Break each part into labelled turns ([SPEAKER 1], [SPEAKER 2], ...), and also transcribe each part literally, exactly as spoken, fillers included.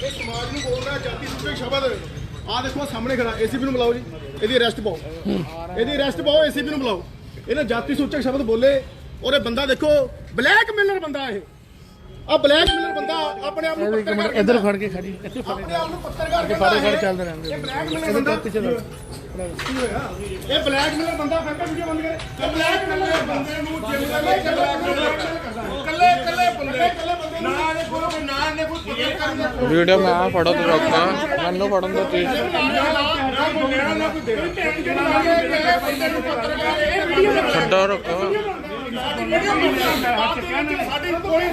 [SPEAKER 1] ਇਹ ਸਮਾਜ ਨੂੰ ਬੋਲ ਰਿਹਾ ਜਾਤੀ ਸੂਚਕ ਸ਼ਬਦ। ਆਹ ਦੇਖੋ ਸਾਹਮਣੇ ਖੜਾ, ਏਸੀਪੀ ਨੂੰ ਬੁਲਾਓ ਜੀ, ਇਹਦੀ ਅਰੈਸਟ ਪਾਓ, ਇਹਦੀ ਅਰੈਸਟ ਪਾਓ, ਏਸੀਪੀ ਨੂੰ ਬੁਲਾਓ। ਇਹਨੇ ਜਾਤੀ ਸੂਚਕ ਸ਼ਬਦ ਬੋਲੇ ਔਰ ਇਹ ਬੰਦਾ ਦੇਖੋ ਬਲੈਕਮੇਲਰ ਬੰਦਾ। ਇਹ ਆ ਬਲੈਕਮੇਲਰ ਬੰਦਾ ਆਪਣੇ ਆਪ ਨੂੰ ਪੱਤਰਕਾਰ
[SPEAKER 2] ਇੱਧਰ ਫੜ ਕੇ ਖੜੀ, ਇੱਥੇ ਫੜ
[SPEAKER 1] ਆਪਣੇ ਆਪ ਨੂੰ ਪੱਤਰਕਾਰ
[SPEAKER 2] ਕੇ ਫੜ ਕੇ ਚੱਲਦੇ ਰਹਿੰਦੇ।
[SPEAKER 1] ਇਹ ਬਲੈਕਮੇਲਰ ਬੰਦਾ
[SPEAKER 2] ਪਿੱਛੇ ਦਾ
[SPEAKER 1] ਕੀ ਹੋਇਆ? ਇਹ ਬਲੈਕਮੇਲਰ ਬੰਦਾ ਫੈਂਕਾ ਵੀਡੀਓ ਬੰਦ ਕਰੇ। ਇਹ ਬਲੈਕਮੇਲਰ ਬੰਦੇ ਨੂੰ ਜਿੰਮ ਦਾ ਕੱਲੇ ਕੱਲੇ ਬੰਦੇ ਕੱਲੇ ਬੰਦੇ ਨਾ ਨੇ ਕੋਈ ਨਾ ਨੇ ਕੋਈ ਪੱਤਰਕਾਰ ਦਾ
[SPEAKER 2] ਵੀਡੀਓ ਮੈਂ ਆ ਫੜੋ ਤੇ ਰੋਕਾਂ ਮੈਨੂੰ ਫੜਨ ਦਾ ਚੀਜ਼ ਛੱਡੋ ਰੋਕੋ।
[SPEAKER 1] ਸਾਡੀ ਕੋਈ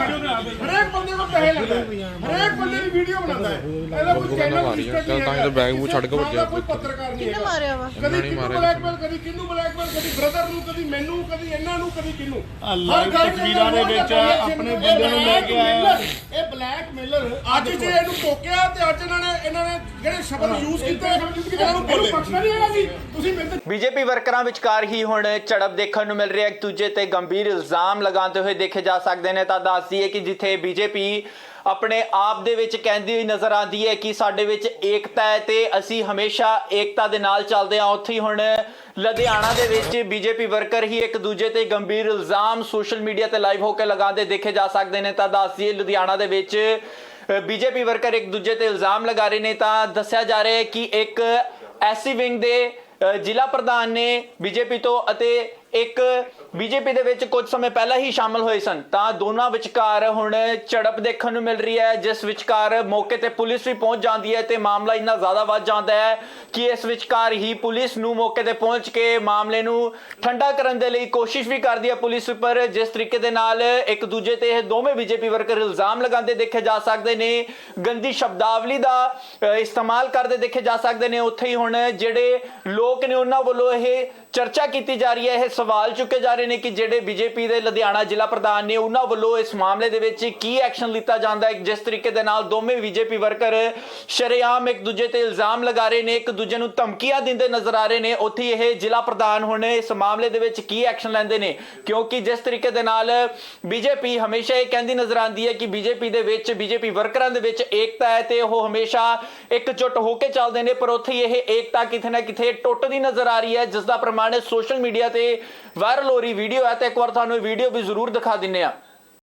[SPEAKER 1] ਹਰੇਕ ਬੰਦੇ ਨੂੰ ਪੈਸੇ ਲੈਂਦਾ, ਹਰੇਕ ਬੰਦੇ ਦੀ ਵੀਡੀਓ ਬਣਾਉਂਦਾ ਹੈ। ਇਹਦਾ ਕੋਈ ਚੈਨਲ
[SPEAKER 2] ਚੱਲ ਤਾਂ ਇਹ ਬੈਗ ਮੂੰਹ ਛੱਡ ਕੇ ਭੱਜਿਆ।
[SPEAKER 1] ਕੋਈ ਪੱਤਰਕਾਰ ਨਹੀਂ
[SPEAKER 3] ਕਿਹਨੇ ਮਾਰਿਆ ਵਾ?
[SPEAKER 1] ਕਦੀ ਕਿਹਨੂੰ ਬਲੈਕਮੇਲ, ਕਦੀ ਕਿਹਨੂੰ ਬਲੈਕਮੇਲ, ਕਦੀ ਬ੍ਰਦਰ ਨੂੰ, ਕਦੀ ਮੈਨੂੰ, ਕਦੀ ਇਹਨਾਂ ਨੂੰ, ਕਦੀ ਕਿਹਨੂੰ। ਹਰ ਗੱਲ ਤਸਵੀਰਾਂ ਦੇ ਵਿੱਚ ਆਪਣੇ ਬੰਦੇ ਨੂੰ ਲੈ ਕੇ ਆਇਆ। ਇਹ ਬਲੈਕਮੇਲਰ ਅੱਜ ਜੇ ਇਹਨੂੰ ਟੋਕਿਆ ਤੇ ਅੱਜ ਇਹਨਾਂ ਨੇ ਇਹਨਾਂ ਨੇ ਜਿਹੜੇ ਸ਼ਬਦ ਯੂਜ਼ ਕੀਤੇ ਇਹਨਾਂ ਨੂੰ ਬੋਲੇ ਬਖਸ਼ਣਾ ਨਹੀਂ ਹੈਗਾ ਜੀ। ਤੁਸੀਂ ਮੇਰੇ
[SPEAKER 4] ਬੀਜੇਪੀ ਵਰਕਰਾਂ ਵਿਚਕਾਰ ਹੀ ਹੁਣ ਝੜਪ ਦੇਖਣ ਨੂੰ ਮਿਲ ਰਹੀ ਹੈ। ਇੱਕ ਦੂਜੇ ਤੇ ਗੰਭੀਰ ਇਲਜ਼ਾਮ ਲਗਾਉਂਦੇ ਹੋਏ ਦੇਖੇ ਜਾ ਸਕਦੇ ਨੇ। ਤਾਂ ਦੱਸ ਦਈਏ ਕਿ ਜਿੱਥੇ ਬੀਜੇਪੀ ਆਪਣੇ ਆਪ ਦੇ ਵਿੱਚ ਕਹਿੰਦੀ ਹੋਈ ਨਜ਼ਰ ਆਉਂਦੀ ਹੈ ਕਿ ਸਾਡੇ ਵਿੱਚ ਏਕਤਾ ਹੈ ਤੇ ਅਸੀਂ ਹਮੇਸ਼ਾ ਏਕਤਾ ਦੇ ਨਾਲ ਚੱਲਦੇ ਹਾਂ, ਉੱਥੇ ਹੀ ਹੁਣ ਲੁਧਿਆਣਾ ਦੇ ਵਿੱਚ ਬੀਜੇਪੀ ਵਰਕਰ ਹੀ ਇੱਕ ਦੂਜੇ ਤੇ ਗੰਭੀਰ ਇਲਜ਼ਾਮ ਸੋਸ਼ਲ ਮੀਡੀਆ ਤੇ ਲਾਈਵ ਹੋ ਕੇ ਲਗਾਉਂਦੇ ਦੇਖੇ ਜਾ ਸਕਦੇ ਨੇ। ਤਾਂ ਦੱਸ ਦਈਏ ਲੁਧਿਆਣਾ ਦੇ ਵਿੱਚ ਬੀਜੇਪੀ ਵਰਕਰ ਇੱਕ ਦੂਜੇ ਤੇ ਇਲਜ਼ਾਮ ਲਗਾ ਰਹੇ ਨੇ। ਤਾਂ ਦੱਸਿਆ ਜਾ ਰਿਹਾ ਹੈ ਕਿ ਇੱਕ ਐਸਸੀ ਵਿੰਗ ਦੇ ਜ਼ਿਲ੍ਹਾ ਪ੍ਰਧਾਨ ਨੇ ਬੀਜੇਪੀ ਤੋਂ ਅਤੇ ਇੱਕ ਬੀਜੇਪੀ ਦੇ ਵਿੱਚ ਕੁਝ ਸਮੇਂ ਪਹਿਲਾਂ ਹੀ ਸ਼ਾਮਲ ਹੋਏ ਸਨ। ਤਾਂ ਦੋਨਾਂ ਵਿਚਕਾਰ ਹੁਣ ਝੜਪ ਦੇਖਣ ਨੂੰ ਮਿਲ ਰਹੀ ਹੈ, ਜਿਸ ਵਿਚਕਾਰ ਮੌਕੇ ਤੇ ਪੁਲਿਸ ਵੀ ਪਹੁੰਚ ਜਾਂਦੀ ਹੈ ਤੇ ਮਾਮਲਾ ਇੰਨਾ ਜ਼ਿਆਦਾ ਵੱਧ ਜਾਂਦਾ ਹੈ ਕਿ ਇਸ ਵਿਚਕਾਰ ਹੀ ਪੁਲਿਸ ਨੂੰ ਮੌਕੇ ਤੇ ਪਹੁੰਚ ਕੇ ਮਾਮਲੇ ਨੂੰ ਠੰਡਾ ਕਰਨ ਦੇ ਲਈ ਕੋਸ਼ਿਸ਼ ਵੀ ਕਰਦੀ ਹੈ ਪੁਲਿਸ ਉੱਪਰ। ਜਿਸ ਤਰੀਕੇ ਦੇ ਨਾਲ ਇੱਕ ਦੂਜੇ ਤੇ ਇਹ ਦੋਵੇਂ ਬੀਜੇਪੀ ਵਰਕਰ ਇਲਜ਼ਾਮ ਲਗਾਉਂਦੇ ਦੇਖੇ ਜਾ ਸਕਦੇ ਨੇ, ਗੰਦੀ ਸ਼ਬਦਾਵਲੀ ਦਾ ਇਸਤੇਮਾਲ ਕਰਦੇ ਦੇਖੇ ਜਾ ਸਕਦੇ ਨੇ, ਉੱਥੇ ਹੀ ਹੁਣ ਜਿਹੜੇ ਲੋਕ ਨੇ ਉਹਨਾਂ ਵੱਲੋਂ ਇਹ ਚਰਚਾ ਕੀਤੀ ਜਾ ਰਹੀ ਹੈ, ਇਹ ਸਵਾਲ ਚੁੱਕੇ ਜਾ ਰਹੇ ਨੇ ਕਿ ਜਿਹੜੇ ਬੀਜੇਪੀ ਦੇ ਲੁਧਿਆਣਾ ਜ਼ਿਲ੍ਹਾ ਪ੍ਰਧਾਨ ਨੇ ਉਹਨਾਂ ਵੱਲੋਂ ਇਸ ਮਾਮਲੇ ਦੇ ਵਿੱਚ ਕੀ ਐਕਸ਼ਨ ਲਿੱਤਾ ਜਾਂਦਾ ਹੈ। ਜਿਸ ਤਰੀਕੇ ਦੇ ਨਾਲ ਦੋਵੇਂ ਬੀਜੇਪੀ ਵਰਕਰ ਸ਼ਰੇਆਮ ਇੱਕ ਦੂਜੇ ਤੇ ਇਲਜ਼ਾਮ ਲਗਾ ਰਹੇ ਨੇ, ਇੱਕ ਦੂਜੇ ਨੂੰ ਧਮਕੀਆਂ ਦਿੰਦੇ ਨਜ਼ਰ ਆ ਰਹੇ ਨੇ, ਉੱਥੇ ਇਹ ਜ਼ਿਲ੍ਹਾ ਪ੍ਰਧਾਨ ਹੁਣ ਇਸ ਮਾਮਲੇ ਦੇ ਵਿੱਚ ਕੀ ਐਕਸ਼ਨ ਲੈਂਦੇ ਨੇ। ਕਿਉਂਕਿ ਜਿਸ ਤਰੀਕੇ ਦੇ ਨਾਲ ਬੀਜੇਪੀ ਹਮੇਸ਼ਾ ਇਹ ਕਹਿੰਦੀ ਨਜ਼ਰ ਆਉਂਦੀ ਹੈ ਕਿ ਬੀਜੇਪੀ ਦੇ ਵਿੱਚ ਬੀਜੇਪੀ ਵਰਕਰਾਂ ਦੇ ਵਿੱਚ ਏਕਤਾ ਹੈ ਤੇ ਉਹ ਹਮੇਸ਼ਾ ਇਕਜੁੱਟ ਹੋ ਕੇ ਚੱਲਦੇ ਨੇ, ਪਰ ਉੱਥੇ ਇਹ ਏਕਤਾ ਕਿਤੇ ਨਾ ਕਿਤੇ ਟੁੱਟਦੀ ਨਜ਼ਰ ਆ ਰਹੀ ਹੈ, ਜਿਸ ਦਾ ਪ੍ਰਮਾਣ ਸੋਸ਼ਲ ਮੀਡੀਆ ਤੇ ਵਾਇਰਲ ਹੋ ਰਹੀ ਵੀਡੀਓ ਹੈ। ਤੇ ਇੱਕ ਵਾਰ ਤੁਹਾਨੂੰ ਇਹ ਵੀਡੀਓ ਵੀ ਜ਼ਰੂਰ ਦਿਖਾ ਦਿੰਨੇ ਆ।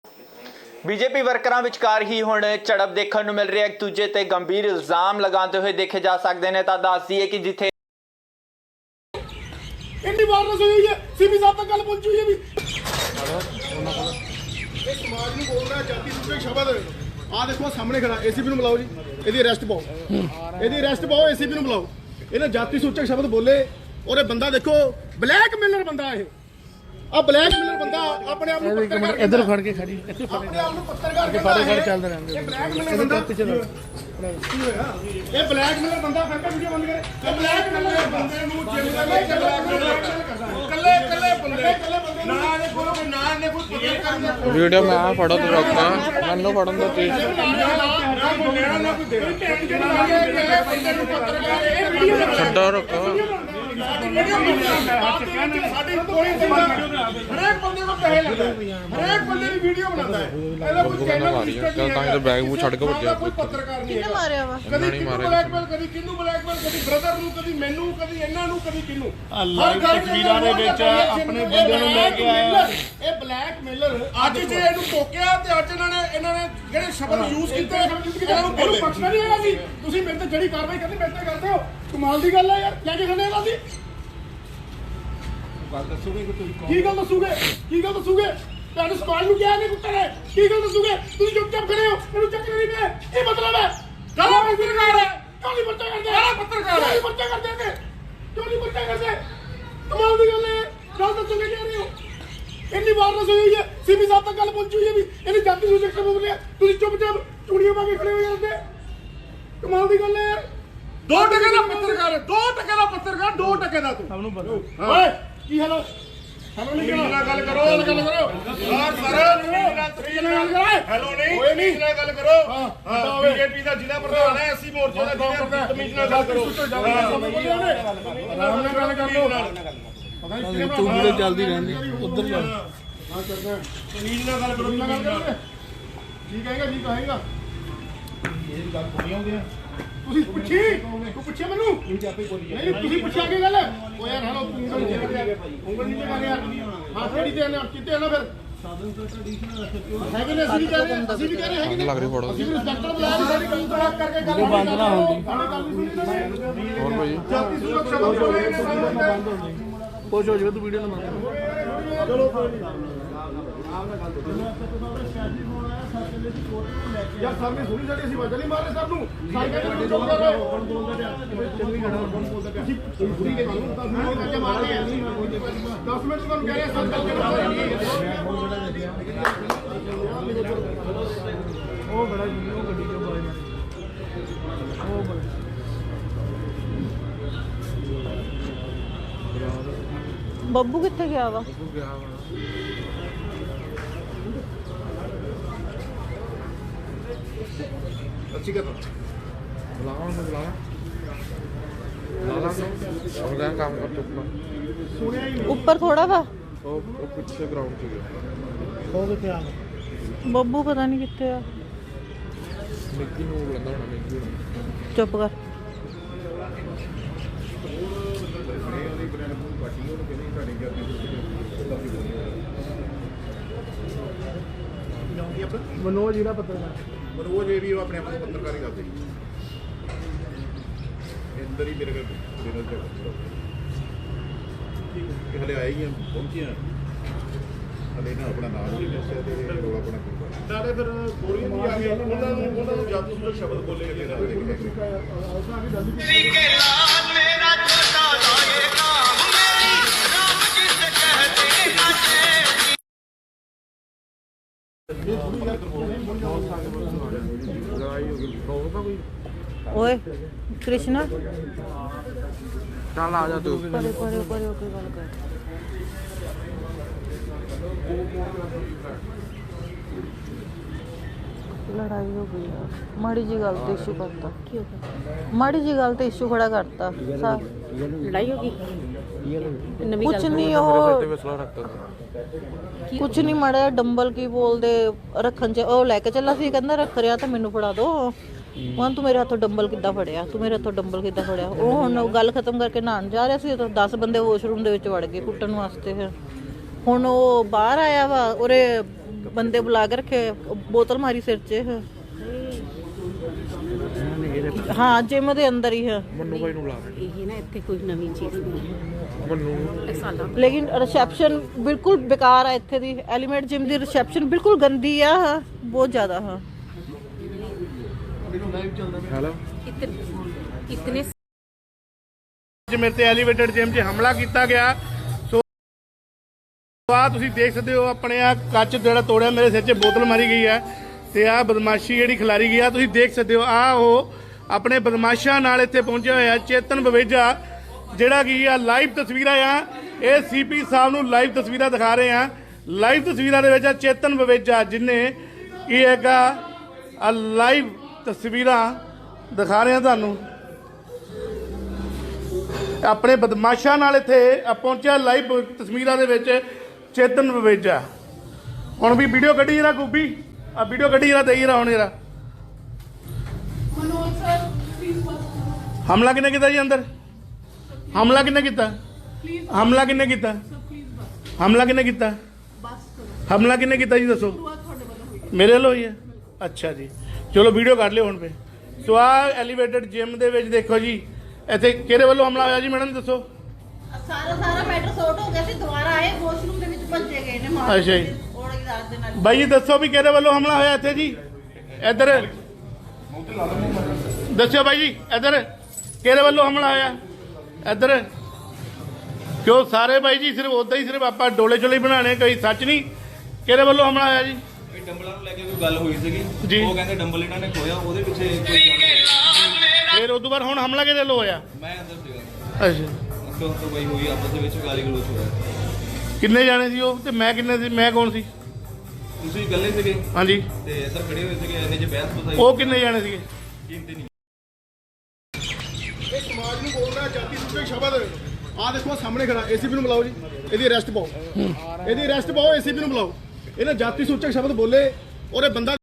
[SPEAKER 4] ਬੀਜੇਪੀ ਵਰਕਰਾਂ ਵਿਚਕਾਰ ਹੀ ਹੁਣ ਝੜਪ ਦੇਖਣ ਨੂੰ ਮਿਲ ਰਹੀ ਹੈ, ਇੱਕ ਦੂਜੇ ਤੇ ਗੰਭੀਰ ਇਲਜ਼ਾਮ ਲਗਾਉਂਦੇ ਹੋਏ ਦੇਖੇ ਜਾ ਸਕਦੇ ਨੇ। ਤਾਂ ਦੱਸ ਦਈਏ ਕਿ ਜਿੱਥੇ
[SPEAKER 1] ਇੰਨੀ ਵਾਰ ਨਾ ਹੋਈ ਹੈ, ਸੀਪੀ ਸਾਹਿਬ ਤੱਕ ਗੱਲ ਪਹੁੰਚੀ ਹੋਈ ਹੈ ਵੀ ਇਹ ਸਮਾਜ ਨੂੰ ਬੋਲ ਰਿਹਾ ਜਾਤੀ ਸੂਚਕ ਸ਼ਬਦ। ਆਹ ਦੇਖੋ ਸਾਹਮਣੇ ਖੜਾ, ਏਸੀਪੀ ਨੂੰ ਬੁਲਾਓ ਜੀ, ਇਹਦੀ ਅਰੈਸਟ ਪਾਓ, ਇਹਦੀ ਅਰੈਸਟ ਪਾਓ, ਏਸੀਪੀ ਨੂੰ ਬੁਲਾਓ। ਇਹਨੇ ਜਾਤੀ ਸੂਚਕ ਸ਼ਬਦ ਬੋਲੇ ਔਰ ਇਹ ਬੰਦਾ ਦੇਖੋ ਬਲੈਕਮੇਲਰ ਬੰਦਾ। ਇਹ ਆ ਬਲੈਕਮੇਲਰ ਬੰਦਾ ਆਪਣੇ ਆਪ ਨੂੰ ਪੱਤਰਕਾਰ
[SPEAKER 2] ਇੱਧਰ ਫੜ ਕੇ ਖੜੀ, ਇੱਥੇ ਫੜ
[SPEAKER 1] ਆਪਣੇ ਆਪ ਨੂੰ ਪੱਤਰਕਾਰ
[SPEAKER 2] ਕੇ ਫੜ ਕੇ ਚੱਲਦੇ ਰਹਿੰਦੇ।
[SPEAKER 1] ਇਹ ਬਲੈਕਮੇਲਰ ਬੰਦਾ
[SPEAKER 2] ਪਿੱਛੇ ਦਾ
[SPEAKER 1] ਕੀ ਹੋਇਆ? ਇਹ ਬਲੈਕਮੇਲਰ ਬੰਦਾ ਫੈਂਕਾ ਵੀਡੀਓ ਬੰਦ ਕਰੇ। ਇਹ ਬਲੈਕਮੇਲਰ ਬੰਦੇ ਨੂੰ ਜਿੰਮ ਦਾ ਕੱਲੇ ਕੱਲੇ ਬੰਦੇ ਕੱਲੇ ਬੰਦੇ ਨਾ ਨੇ ਕੋਈ ਨਾ ਨੇ ਕੋਈ ਪੱਤਰਕਾਰ ਦਾ
[SPEAKER 2] ਵੀਡੀਓ ਮੈਂ ਆ ਫੜੋ ਤੇ ਰੋਕਾਂ ਮੈਨੂੰ ਫੜਨ ਦਾ ਚੀਜ਼ ਛੱਡੋ ਰੋਕੋ।
[SPEAKER 1] ਸਾਡੀ ਕੋਈ ਹਰੇਕ ਬੰਦੇ ਨੂੰ ਪੈਸੇ ਲੈਂਦਾ, ਹਰੇਕ ਬੰਦੇ ਦੀ ਵੀਡੀਓ ਬਣਾਉਂਦਾ ਹੈ। ਇਹਦਾ ਕੋਈ ਚੈਨਲ
[SPEAKER 2] ਚੱਲ ਤਾਂ ਇਹ ਬੈਗ ਮੂੰਹ ਛੱਡ ਕੇ ਭੱਜਿਆ।
[SPEAKER 1] ਕੋਈ ਪੱਤਰਕਾਰ ਨਹੀਂ
[SPEAKER 3] ਕਿਹਨੇ ਮਾਰਿਆ ਵਾ?
[SPEAKER 1] ਕਦੀ ਕਿਹਨੂੰ ਬਲੈਕਮੇਲ, ਕਦੀ ਕਿਹਨੂੰ ਬਲੈਕਮੇਲ, ਕਦੀ ਬ੍ਰਦਰ ਨੂੰ, ਕਦੀ ਮੈਨੂੰ, ਕਦੀ ਇਹਨਾਂ ਨੂੰ, ਕਦੀ ਕਿਹਨੂੰ। ਹਰ ਗੱਲ ਤਸਵੀਰਾਂ ਦੇ ਵਿੱਚ ਆਪਣੇ ਬੰਦੇ ਨੂੰ ਲੈ ਕੇ ਆਇਆ। ਇਹ ਬਲੈਕਮੇਲਰ ਅੱਜ ਜੇ ਇਹਨੂੰ ਟੋਕਿਆ ਤੇ ਅੱਜ ਇਹਨਾਂ ਨੇ ਇਹਨਾਂ ਨੇ ਜਿਹੜੇ ਸ਼ਬਦ ਯੂਜ਼ ਕੀਤੇ ਇਹਨਾਂ ਨੂੰ ਬੋਲੇ ਬਖਸ਼ਣਾ ਨਹੀਂ ਹੈਗਾ ਜੀ। ਤੁਸੀਂ ਮੇਰੇ ਤੇ ਜਿਹੜੀ ਕਾਰਵਾਈ ਕਰਦੇ ਮੇਰੇ ਤੇ ਕਰਦੇ ਹੋ, ਕਮਾਲ ਦੀ ਗੱਲ ਹੈ ਯਾਰ। ਲੈ ਕੇ ਖੜੇ ਇਹਨਾਂ ਦੀ ਗੱਲ ਦੱਸੋਗੇ ਕਿ ਤੁਸੀਂ ਕੀ ਗੱਲ ਦੱਸੋਗੇ? ਕੀ ਗੱਲ ਦੱਸੋਗੇ? ਤੁਹਾਨੂੰ ਸਵਾਲ ਨੂੰ ਕਿਹਾ ਨਹੀਂ ਕੁੱਤੇ ਨੇ, ਕੀ ਗੱਲ ਦੱਸੋਗੇ? ਤੁਸੀਂ ਚੁੱਪਚਾਪ ਖੜੇ ਹੋ, ਇਹਨੂੰ ਚੱਕਰ ਨਹੀਂ ਪਿਆ। ਕੀ ਮਤਲਬ ਹੈ? ਕਾਲਾ ਪੱਤਰਕਾਰ ਹੈ, ਕਿਉਂ ਨਹੀਂ ਪਰਚਾ ਕਰਦੇ? ਕਾਲਾ ਪੱਤਰਕਾਰ ਹੈ, ਪਰਚਾ ਕਰਦੇ ਨੇ, ਕਿਉਂ ਨਹੀਂ ਪਰਚਾ ਕਰਦੇ? ਕਮਾਲ ਦੀ ਗੱਲ ਹੈ। ਗੱਲ ਦੱਸੋਗੇ ਕਹਿ ਰਹੇ ਹੋ। ਇੰਨੀ ਵਾਰ ਨਾ ਹੋਈ ਹੈ, ਸੀਪੀ ਸਾਹਿਬ ਤੱਕ ਗੱਲ ਪਹੁੰਚੀ ਹੋਈ ਹੈ ਵੀ ਇਹਨੇ ਜਾਤੀ ਸੂਚਕ ਸ਼ਬਦ ਬੋਲਿਆ, ਤੁਸੀਂ ਚੁੱਪਚਾਪ ਚੂੜੀਆਂ ਪਾ ਕੇ ਖੜੇ ਹੋ ਜਾਂਦੇ। ਕਮਾਲ ਦੀ ਗੱਲ ਹੈ ਯਾਰ। ਦੋ ਟਕੇ ਦਾ ਪੱਤਰਕਾਰ ਹੈ, ਦੋ ਟਕੇ ਦਾ ਪੱਤਰਕਾਰ, ਦੋ ਟਕੇ ਦਾ ਤੂੰ। ਸਭ ਨੂੰ ਪਤਾ ਓਏ ਕੀ ਹਾਲ ਹੈ? ਹੈਲੋ ਨਹੀਂ ਨਾਲ ਗੱਲ ਕਰੋ, ਗੱਲ ਕਰੋ ਯਾਰ ਸਰ, ਨਾਲ ਤਰੀਕੇ ਨਾਲ ਗੱਲ ਕਰੋ। ਹੈਲੋ ਨਹੀਂ ਓਏ ਨਹੀਂ ਨਾਲ ਗੱਲ ਕਰੋ। ਹਾਂ ਬੀਜੇਪੀ ਦਾ ਜ਼ਿਲ੍ਹਾ ਪ੍ਰਧਾਨ ਹੈ, ਅਸੀਂ ਮੋਰਚੇ ਦਾ ਜ਼ਿਲ੍ਹਾ ਤਮੀਜ਼ ਨਾਲ ਗੱਲ ਕਰੋ। ਆਰਾਮ ਨਾਲ ਗੱਲ ਕਰ ਲਓ। ਪਤਾ ਨਹੀਂ ਤੂੰ ਵੀਡੀਓ ਚੱਲਦੀ ਰਹਿੰਦੀ ਉਧਰ ਜਾ। ਹਾਂ ਕਰਦਾ ਤਮੀਜ਼ ਨਾਲ ਗੱਲ ਕਰੋ। ਕੀ ਕਹੇਗਾ? ਜੀ ਕਹੇਗਾ ਤੁਸੀਂ ਪੁੱਛੀ ਤੂੰ ਪੁੱਛਿਆ ਮੈਨੂੰ ਨਹੀਂ ਤੁਸੀਂ ਪੁੱਛਿਆ ਕੀ ਗੱਲ ਓ ਯਾਰ ਹਲੋ ਉਂਗਲ ਨੀਚੇ ਕਰ ਯਾਰ ਉਂਗਲ ਨੀਚੇ ਕਰ ਯਾਰ ਹਾਂ ਕਿਹੜੀ ਤੇ ਨਾ ਕਿਤੇ ਨਾ ਫਿਰ ਹੈਗੇ ਨੇ ਅਸੀਂ ਵੀ ਕਹਿ ਰਹੇ ਹਾਂ, ਅਸੀਂ ਵੀ ਕਹਿ ਰਹੇ ਹੈਗੇ ਨੇ
[SPEAKER 2] ਲੱਗ ਰਹੀ ਫੋਟੋ
[SPEAKER 1] ਅਸੀਂ ਵੀ ਰਿਸਪੈਕਟਰ ਬੁਲਾਇਆ ਵੀ ਸਾਡੀ ਗੱਲ ਤੋਂ ਕਰਕੇ ਗੱਲ ਬੰਦ ਨਾ ਹੁੰਦੀ ਸਾਡੀ ਗੱਲ ਨਹੀਂ ਸੁਣੀ ਨਾ
[SPEAKER 2] ਹੋਰ ਭਾਈ
[SPEAKER 1] ਜਾਤੀ ਸੁਰੱਖਿਆ ਬੰਦ ਹੋ ਗਈ
[SPEAKER 3] ਕੁਛ ਹੋ ਜਾਵੇ ਤੂੰ ਵੀਡੀਓ ਨਾ ਬਣਾ
[SPEAKER 1] ਚਲੋ ਕੋਈ ਨਹੀਂ ਯਾਰ ਸਰ ਨੇ ਸੁਣੀ ਸਾਡੀ ਅਸੀਂ ਵਜ੍ਹਾ ਨਹੀਂ ਮਾਰਦੇ ਸਰ ਨੂੰ ਸਾਈ ਕਹਿੰਦੇ ਚੁੱਪ ਕਰ ਕੌਣ ਬੋਲਦਾ ਪਿਆ ਚੰਗੀ ਘੜਾ ਕੌਣ ਬੋਲਦਾ ਪਿਆ ਅਸੀਂ ਪੂਰੀ ਕੇ ਤੁਹਾਨੂੰ ਦਸ ਮਿੰਟ ਕਰਕੇ ਮਾਰ ਰਹੇ ਹਾਂ ਦਸ ਮਿੰਟ ਤੁਹਾਨੂੰ ਕਹਿ ਰਹੇ ਸਰ ਕਰਕੇ ਮਾਰ ਰਹੇ
[SPEAKER 3] ਉਹ ਬੜਾ ਜੀ ਉਹ ਗੱਡੀ ਚੋਂ ਬਾਈ ਮਾਰੀ ਉਹ ਬੜਾ
[SPEAKER 5] ਬੱਬੂ ਕਿੱਥੇ ਗਿਆ ਵਾ
[SPEAKER 1] ਅੱਛੀ ਗੱਲ
[SPEAKER 2] ਬੁਲਾਵਾ ਉਹਨੂੰ ਬੁਲਾਵਾ ਬੁਲਾਵਾ ਉਹਦਾ ਕੰਮ ਕਰ ਚੁੱਪ
[SPEAKER 5] ਉੱਪਰ ਥੋੜਾ ਵਾ
[SPEAKER 2] ਉਹ ਉਹ ਪਿੱਛੇ ਗਰਾਊਂਡ 'ਚ ਗਿਆ
[SPEAKER 3] ਉਹ ਕਿੱਥੇ ਆ
[SPEAKER 5] ਬੱਬੂ ਪਤਾ ਨਹੀਂ ਕਿੱਥੇ ਆ
[SPEAKER 2] ਮਿੱਕੀ ਨੂੰ ਬੁਲਾਉਂਦਾ ਹੋਣਾ ਮਿੱਕੀ ਨੂੰ
[SPEAKER 5] ਚੁੱਪ ਕਰ
[SPEAKER 3] ਮਨੋਜ ਜਿਹੜਾ ਪੱਤਰਕਾਰ
[SPEAKER 1] ਮਨੋਜ ਇਹ ਵੀ ਉਹ ਆਪਣੇ ਆਪ ਨੂੰ ਪੱਤਰਕਾਰੀ ਕਰਦੇ ਅੰਦਰ ਹੀ ਮੇਰੇ ਕੋਲ ਡਿਨਰ ਤੇ ਠੀਕ ਹੈ ਹਲੇ ਆਏ ਹੀ ਆ ਪਹੁੰਚੇ ਆ ਹਲੇ ਨਾ ਆਪਣਾ ਨਾਮ ਨਹੀਂ ਦੱਸਿਆ ਤੇ ਰੋਲਾ ਆਪਣਾ ਕੀ ਨਾਲੇ ਫਿਰ ਗੋਲੀ ਨਹੀਂ ਆ ਗਈ ਉਹਨਾਂ ਨੂੰ ਉਹਨਾਂ ਨੂੰ ਜਾਦੂ ਸੁੰਦਰ ਸ਼ਬਦ ਬੋਲੇ ਗਏ
[SPEAKER 2] ਲੜਾਈ ਹੋ ਗਈ ਹੋਊਗਾ ਕੋਈ
[SPEAKER 5] ਓਏ ਕ੍ਰਿਸ਼ਨਾ
[SPEAKER 2] ਚੱਲ ਆ ਜਾ ਤੂੰ
[SPEAKER 5] ਪਰੇ ਪਰੇ ਪਰੇ ਹੋ ਕੇ ਗੱਲ ਕਰ ਲੜਾਈ ਹੋ ਗਈ ਆ ਮਾੜੀ ਜੀ ਗੱਲ ਤੇ ਇਸ਼ੂ ਕਰਤਾ ਕੀ ਹੋ ਗਿਆ ਮਾੜੀ ਜੀ ਗੱਲ ਤੇ ਇਸ਼ੂ ਖੜਾ ਕਰਤਾ ਲੜਾਈ ਹੋ ਗਈ ਕੁਛ ਨਹੀਂ ਉਹ
[SPEAKER 2] ਤੇ ਵਿਸਲਾ ਰੱਖਤਾ ਸੀ
[SPEAKER 5] ਕੁਛ ਨਹੀਂ ਮੜਿਆ ਡੰਬਲ ਕੀ ਬੋਲਦੇ ਰੱਖਣ ਚ ਉਹ ਲੈ ਕੇ ਚੱਲਾ ਸੀ ਕਹਿੰਦਾ ਰੱਖ ਰਿਆ ਤਾਂ ਮੈਨੂੰ ਫੜਾ ਦੋ ਹੁਣ ਤੂੰ ਮੇਰੇ ਹੱਥੋਂ ਡੰਬਲ ਕਿੱਦਾਂ ਫੜਿਆ ਤੂੰ ਮੇਰੇ ਹੱਥੋਂ ਡੰਬਲ ਕਿੱਦਾਂ ਫੜਿਆ ਉਹ ਹੁਣ ਗੱਲ ਖਤਮ ਕਰਕੇ ਨਹਾਉਣ ਜਾ ਰਿਹਾ ਸੀ ਤਾਂ ਦਸ ਬੰਦੇ ਵਾਸ਼ਰੂਮ ਦੇ ਵਿੱਚ ਵੜ ਗਏ ਕੁੱਟਣ ਵਾਸਤੇ ਫਿਰ ਹੁਣ ਉਹ ਬਾਹਰ ਆਇਆ ਵਾ ਉਹਰੇ ਬੰਦੇ ਬੁਲਾ ਕੇ ਰੱਖੇ ਬੋਤਲ ਮਾਰੀ ਸਿਰ 'ਚ ਹਾਂ ਜਿਮ ਦੇ ਅੰਦਰ ਹੀ ਹੈ
[SPEAKER 2] ਮੰਨੂ ਭਾਈ ਨੂੰ ਬੁਲਾ
[SPEAKER 6] ਇਹ ਨਾ ਇੱਥੇ ਕੋਈ ਨਵੀਂ ਚੀਜ਼ ਨਹੀਂ ਹੈ
[SPEAKER 2] ਮੰਨੂ
[SPEAKER 6] ਇਹ ਸਾਲਾਂ
[SPEAKER 5] ਲੇਕਿਨ ਰਿਸੈਪਸ਼ਨ ਬਿਲਕੁਲ ਬੇਕਾਰ ਆ ਇੱਥੇ ਦੀ ਐਲੀਮੈਂਟ ਜਿਮ ਦੀ ਰਿਸੈਪਸ਼ਨ ਬਿਲਕੁਲ ਗੰਦੀ ਆ ਬਹੁਤ ਜ਼ਿਆਦਾ ਹਾਂ
[SPEAKER 2] ਹੈਲੋ
[SPEAKER 6] ਇਤਨੇ ਇਤਨੇ
[SPEAKER 1] ਅੱਜ ਮੇਰੇ ਤੇ ਐਲੀਵੇਟਡ ਜਿਮ 'ਚ ਹਮਲਾ ਕੀਤਾ ਗਿਆ ਸੋ ਆ ਤੁਸੀਂ ਦੇਖ ਸਕਦੇ ਹੋ ਆਪਣੇ ਆ ਕੱਚ ਜਿਹੜਾ ਤੋੜਿਆ ਮੇਰੇ ਸਿਰ 'ਚ ਬੋਤਲ ਮਾਰੀ ਗਈ ਹੈ ਤੇ ਆ ਬਦਮਾਸ਼ੀ ਜਿਹੜੀ ਖਿਲਾਰੀ ਗਈ ਆ ਤੁਸੀਂ ਦੇਖ ਸਕਦੇ ਹੋ ਆ ਉਹ ਆਪਣੇ ਬਦਮਾਸ਼ਾਂ ਨਾਲ ਇੱਥੇ ਪਹੁੰਚਿਆ ਹੋਇਆ ਚੇਤਨ ਬਵੇਜਾ ਜਿਹੜਾ ਕੀ ਆ ਲਾਈਵ ਤਸਵੀਰਾਂ ਆ ਇਹ ਸੀਪੀ ਸਾਹਿਬ ਨੂੰ ਲਾਈਵ ਤਸਵੀਰਾਂ ਦਿਖਾ ਰਹੇ ਆ ਲਾਈਵ ਤਸਵੀਰਾਂ ਦੇ ਵਿੱਚ ਆ ਚੇਤਨ ਬਵੇਜਾ ਜਿਨੇ ਕੀ ਹੈਗਾ ਆ ਲਾਈਵ ਤਸਵੀਰਾਂ ਦਿਖਾ ਰਹੇ ਆ ਤੁਹਾਨੂੰ ਆਪਣੇ ਬਦਮਾਸ਼ਾਂ ਨਾਲ ਇੱਥੇ ਪਹੁੰਚਿਆ ਲਾਈਵ ਤਸਵੀਰਾਂ ਦੇ ਵਿੱਚ ਚੇਤਨ ਬਵੇਜਾ ਹੁਣ ਵੀ ਵੀਡੀਓ ਕੱਢੀ ਜਰਾ ਗੋਬੀ ਆ ਵੀਡੀਓ ਕੱਢੀ ਜਰਾ ਦੇਈ ਜਰਾ ਹੁਣ ਜਰਾ ਹਮਲਾ ਕਿਹਨੇ ਕੀਤਾ ਜੀ ਅੰਦਰ ਹਮਲਾ ਕਿਹਨੇ ਕੀਤਾ ਹਮਲਾ ਕਿਹਨੇ ਕੀਤਾ ਹਮਲਾ ਕਿਹਨੇ ਕੀਤਾ ਹਮਲਾ ਕਿਹਨੇ ਕੀਤਾ ਜੀ ਦੱਸੋ ਮੇਰੇ ਵੱਲੋਂ ਹੀ ਹੈ ਅੱਛਾ ਜੀ ਚਲੋ ਵੀਡੀਓ ਕੱਢ ਲਿਓ ਹੁਣ ਫੇ ਸੋ ਆ ਐਲੀਵੇਟਡ ਜਿਮ ਦੇ ਵਿੱਚ ਦੇਖੋ ਜੀ ਇੱਥੇ ਕਿਹਦੇ ਵੱਲੋਂ ਹਮਲਾ ਹੋਇਆ ਜੀ ਮੈਡਮ ਦੱਸੋ
[SPEAKER 5] ਸਾਰਾ ਸਾਰਾ ਮੈਟਰ ਸੌਟ ਹੋ ਗਿਆ ਸੀ ਦੁਬਾਰਾ ਆਏ ਵਾਸ਼ਰੂਮ ਦੇ ਵਿੱਚ ਭੱਜੇ ਗਏ ਨੇ ਮਾਰ
[SPEAKER 1] ਅੱਛਾ ਜੀ
[SPEAKER 5] ਔੜਗੀ ਰਾਤ ਦੇ ਨਾਲ
[SPEAKER 1] ਬਾਈ ਜੀ ਦੱਸੋ ਵੀ ਕਿਹਦੇ ਵੱਲੋਂ ਹਮਲਾ ਹੋਇਆ ਇੱਥੇ ਜੀ ਇੱਧਰ ਦੱਸਿਓ ਬਾਈ ਜੀ ਇੱਧਰ ਕਿਹਦੇ ਵੱਲੋਂ ਹਮਲਾ ਹੋਇਆ ਇੱਧਰ ਕਿਉਂ ਸਾਰੇ ਬਾਈ ਜੀ ਸਿਰਫ ਉਦਾਂ ਹੀ ਸਿਰਫ ਆਪਾਂ ਡੋਲੇ ਚੋਲੇ ਬਣਾਣੇ ਕੋਈ ਸੱਚ ਨਹੀਂ ਕਿਹਦੇ ਵੱਲੋਂ ਹਮਲਾ ਹੋਇਆ ਜੀ
[SPEAKER 7] ਇਹ ਡੰਬਲਾਂ ਨੂੰ ਲੈ ਕੇ ਕੋਈ ਗੱਲ ਹੋਈ ਸੀਗੀ
[SPEAKER 1] ਜੀ।
[SPEAKER 7] ਉਹ ਕਹਿੰਦੇ ਡੰਬਲ ਇਹਨਾਂ ਨੇ ਖੋਇਆ ਉਹਦੇ ਪਿੱਛੇ ਕੋਈ
[SPEAKER 1] ਫਿਰ ਉਸ ਤੋਂ ਬਾਅਦ ਹੁਣ ਹਮਲਾ ਕਿਹਦੇ ਵੱਲੋਂ ਹੋਇਆ
[SPEAKER 7] ਮੈਂ ਅੰਦਰ ਸੀਗਾ
[SPEAKER 1] ਅੱਛਾ
[SPEAKER 7] ਉਸ ਤੋਂ ਤੋਂ ਬਈ ਹੋਈ ਆਪਸ ਦੇ ਵਿੱਚ ਗਾਲੀ ਗਲੋਚ ਹੋਇਆ
[SPEAKER 1] ਕਿੰਨੇ ਜਾਣੇ ਸੀ ਉਹ ਤੇ ਮੈਂ ਕਿੰਨੇ ਸੀ ਮੈਂ ਕੌਣ ਸੀ
[SPEAKER 7] ਤੁਸੀਂ ਇਕੱਲੇ ਸੀਗੇ
[SPEAKER 1] ਹਾਂਜੀ
[SPEAKER 7] ਤੇ ਇੱਧਰ ਖੜੇ ਹੋਏ ਸੀਗੇ ਇਹਨੇ ਜੇ ਬਹਿਸ ਬਸਾਈ
[SPEAKER 1] ਉਹ ਕਿੰਨੇ ਜਾਣੇ ਸੀਗੇ
[SPEAKER 7] ਕੀਮਤੀ ਨਹੀਂ
[SPEAKER 1] ਇਹ ਸਮਾਜ ਨੂੰ ਬੋਲ ਰਿਹਾ ਜਾਤੀ ਸੁੱਤੇ ਸ਼ਬਦ ਆ ਦੇਖੋ ਸਾਹਮਣੇ ਖੜਾ ਏਸੀਪੀ ਨੂੰ ਬੁਲਾਓ ਜੀ ਇਹਦੀ ਅਰੈਸਟ ਪਾਓ ਇਹਦੀ ਅਰੈਸਟ ਪਾਓ ਏਸੀਪੀ ਨੂੰ ਬੁਲਾਓ ਇਹਨੇ ਜਾਤੀ ਸੂਚਕ ਸ਼ਬਦ ਬੋਲੇ ਔਰ ਇਹ ਬੰਦਾ